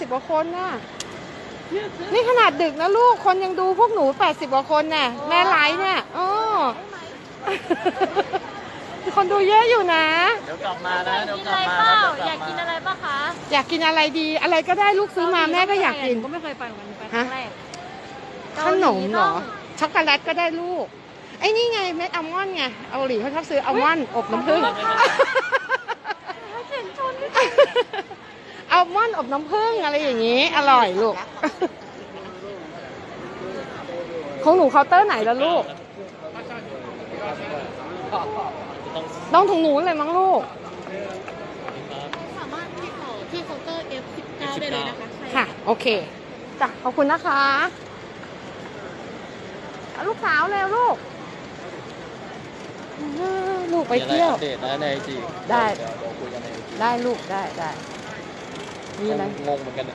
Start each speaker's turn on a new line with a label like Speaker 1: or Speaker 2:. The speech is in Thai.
Speaker 1: 80กว่าคนน่ะนี่ขนาดดึกนะลูกคนยังดูพวกหนู80กว่าคนน่ะแม่ไลฟ์เนี่ยอ๋อคนดูเยอะอยู่นะ
Speaker 2: เดี๋ยวกลับมานะเดี๋ยวกลับมา
Speaker 3: อยากกินอะไรป่ะคะ
Speaker 1: อยากกินอะไรดีอะไรก็ได้ลูกซื้อมาแม่ก็อยากกิน
Speaker 3: ก็ไม่เคยไปเหมือนกันไปครั้งแรก
Speaker 1: ขนมเหรอช็อกโกแลตก็ได้ลูกไอ้นี่ไงเม็ดอัลมอนด์ไงเอาหลีเขาชอบซื้ออัลมอนด์อบน้ำผึ้งอัลมอนด์อบน้ำผึ้งอะไรอย่างนี้อร่อยลูกของหนูเคาน์เตอร์ไหนล่ะลูกต้องถุงหนูเลยมั้งลูก
Speaker 3: สามารถติดต่อที่เคาน์เตอร์ F19 ได้เลยนะคะ
Speaker 1: ค่ะโอเคจ้ะขอบคุณนะคะลูกสาวเร็วลูกลูกไปเที่ยว
Speaker 2: เดทนะในจี
Speaker 1: ได้
Speaker 2: คุยกันใน
Speaker 1: ได้ลูกได้มีอะไร
Speaker 2: งงเหมือนกัน